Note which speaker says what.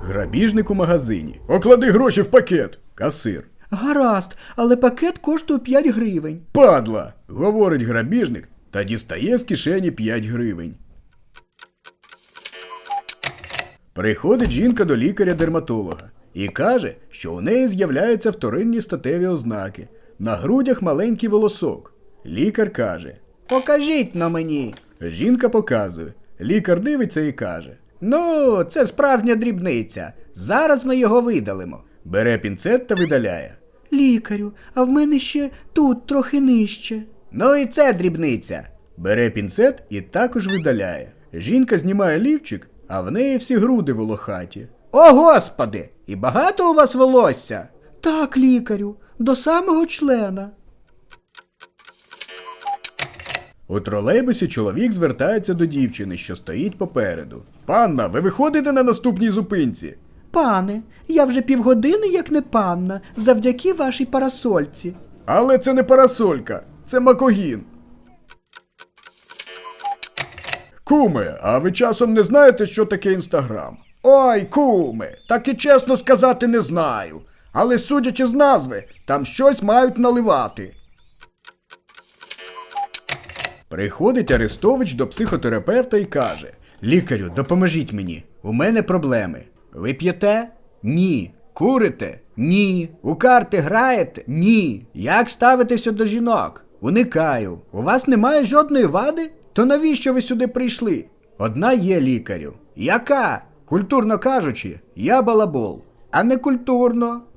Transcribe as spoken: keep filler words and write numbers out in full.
Speaker 1: Грабіжник у магазині. Оклади гроші в пакет. Касир.
Speaker 2: Гаразд, але пакет коштує п'ять гривень.
Speaker 1: Падла! Говорить грабіжник та дістає з кишені п'ять гривень. Приходить жінка до лікаря-дерматолога і каже, що у неї з'являються вторинні статеві ознаки. На грудях маленький волосок. Лікар каже:
Speaker 2: Покажіть на мені.
Speaker 1: Жінка показує. Лікар дивиться і каже:
Speaker 2: Ну, це справжня дрібниця. Зараз ми його видалимо.
Speaker 1: Бере пінцет та видаляє.
Speaker 2: Лікарю, а в мене ще тут трохи нижче.
Speaker 1: Ну і це дрібниця. Бере пінцет і також видаляє. Жінка знімає лівчик, а в неї всі груди волохаті.
Speaker 2: О, Господи! І багато у вас волосся? Так, лікарю, до самого члена.
Speaker 1: У тролейбусі чоловік звертається до дівчини, що стоїть попереду. Панна, ви виходите на наступній зупинці?
Speaker 2: Пане, я вже півгодини як не панна, завдяки вашій парасольці.
Speaker 1: Але це не парасолька, це макогін. Куме, а ви часом не знаєте, що таке Інстаграм?
Speaker 2: Ой, куме, так і чесно сказати не знаю. Але судячи з назви, там щось мають наливати.
Speaker 1: Приходить Арестович до психотерапевта і каже: лікарю, допоможіть мені, у мене проблеми.
Speaker 2: Ви п'єте? Ні. Курите? Ні. У карти граєте? Ні. Як ставитеся до жінок? Уникаю. У вас немає жодної вади? То навіщо ви сюди прийшли?
Speaker 1: Одна є, лікарю.
Speaker 2: Яка?
Speaker 1: Культурно кажучи, я балабол.
Speaker 2: А не культурно.